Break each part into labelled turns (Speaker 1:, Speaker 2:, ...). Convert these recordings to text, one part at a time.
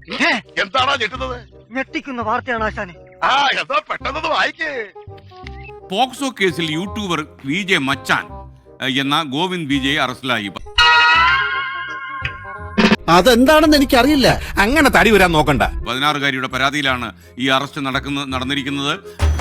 Speaker 1: എന്താണോ ഞെട്ടുന്നത്?
Speaker 2: ഞെട്ടിക്കുന്ന വാർത്തയാണ് ആശാനെ.
Speaker 1: എന്താ പെട്ടെന്ന് വായിക്കേ.
Speaker 3: പോക്സോ കേസിൽ യൂട്യൂബർ വിജെ മച്ചാൻ എന്ന ഗോവിന്ദ് വിജയ് അറസ്റ്റിലായി.
Speaker 4: അതെന്താണെന്ന് എനിക്കറിയില്ല. അങ്ങനെ തടി വരാൻ നോക്കണ്ട.
Speaker 3: 16-കാരിയുടെ പരാതിയിലാണ് ഈ അറസ്റ്റ് നടന്നിരിക്കുന്നത്.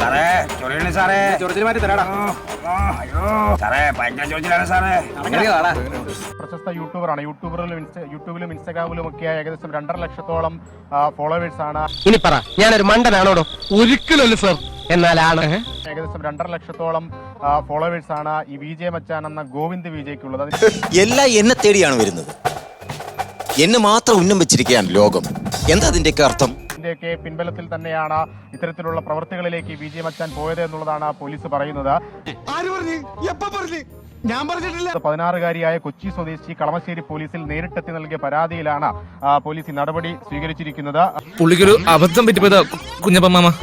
Speaker 5: പ്രശസ്ത യൂട്യൂബറാണ്. യൂട്യൂബിലും ഇൻസ്റ്റാഗ്രാമിലും ഒക്കെ ഏകദേശം 2.5 ലക്ഷത്തോളം ഫോളോവേഴ്സ് ആണ്.
Speaker 6: ഇനി പറ, ഞാനൊരു മണ്ടനാണോടോ? ഒരിക്കലല്ല സർ. എന്നാലാണ്
Speaker 5: ഏകദേശം 2.5 ലക്ഷത്തോളം ഫോളോവേഴ്സ് ആണ് ഈ വിജയ മച്ചാൻ എന്ന ഗോവിന്ദ് വിജയ്ക്കുള്ളത്.
Speaker 7: എല്ലാം എന്നെ തേടിയാണ് വരുന്നത്. എന്നെ മാത്രം ഉന്നം വെച്ചിരിക്കുകയാണ് ലോകം. എന്താ അതിന്റെയൊക്കെ അർത്ഥം?
Speaker 5: ഇതിന്റെയൊക്കെ പിൻബലത്തിൽ തന്നെയാണ് ഇത്തരത്തിലുള്ള പ്രവൃത്തികളിലേക്ക് വിജയ മച്ചാൻ പോയത് എന്നുള്ളതാണ് പോലീസ് പറയുന്നത്. 16-കാരിയായ കൊച്ചി സ്വദേശി കളമശ്ശേരി പോലീസിൽ നേരിട്ടെത്തി നൽകിയ പരാതിയിലാണ് പോലീസ് നടപടി സ്വീകരിച്ചിരിക്കുന്നത്.
Speaker 8: പുള്ളിക്കൊരു അബദ്ധം പറ്റിപ്പോയതാ കുഞ്ഞപ്പ മാമ.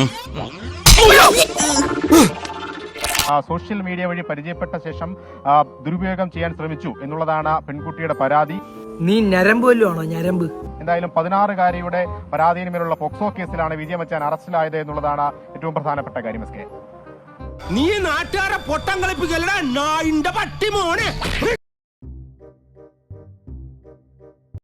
Speaker 5: സോഷ്യൽ മീഡിയ വഴി പരിചയപ്പെട്ട ശേഷം ദുരുപയോഗം ചെയ്യാൻ ശ്രമിച്ചു എന്നുള്ളതാണ് പെൺകുട്ടിയുടെ പരാതി.
Speaker 2: നീ ഞരമ്പ് വല്ലതും ആണോ? ഞരമ്പ്.
Speaker 5: എന്തായാലും 16-കാരിയുടെ പരാതിയിൽ മേലുള്ള പോക്സോ കേസിലാണ് വിജയ മച്ചാൻ അറസ്റ്റിലായത് എന്നുള്ളതാണ് ഏറ്റവും പ്രധാനപ്പെട്ട കാര്യം.
Speaker 4: നീ നാട്ടുകാരെ പൊട്ടം കളിപ്പിക്കലടാ നായിന്റെ പട്ടി മോനെ.